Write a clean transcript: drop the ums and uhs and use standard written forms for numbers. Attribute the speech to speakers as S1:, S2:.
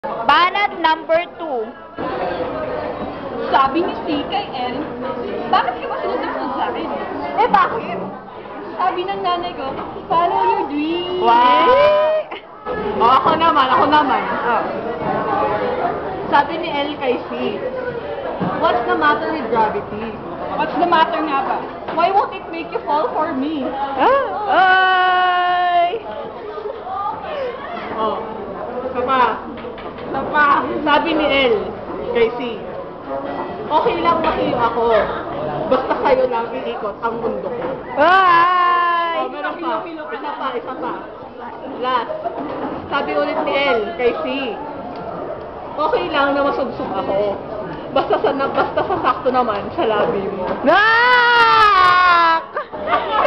S1: Banat number 2.
S2: Sabi ni C kay L, bakit ka ba sinusunod sa akin?
S1: Eh, bakit?
S2: Sabi ng nanay ko, follow your dreams.
S1: Wow!
S2: Oh, ako naman.
S1: Oh.
S2: Sabi ni L kay C, what's the matter with gravity? What's the matter nga ba? Why won't it make you fall for me?
S1: Ay!
S2: Oh, isa pa. Sabi ni L kay C, okay lang makiyo ako. Basta kayo lang iikot ang mundo ko.
S1: Ay!
S2: Oh, meron pa. Isa pa. Last. Sabi ulit ni L kay C, okay lang na masugsug ako. Basta sa sakto naman sa labi mo.
S1: Nak!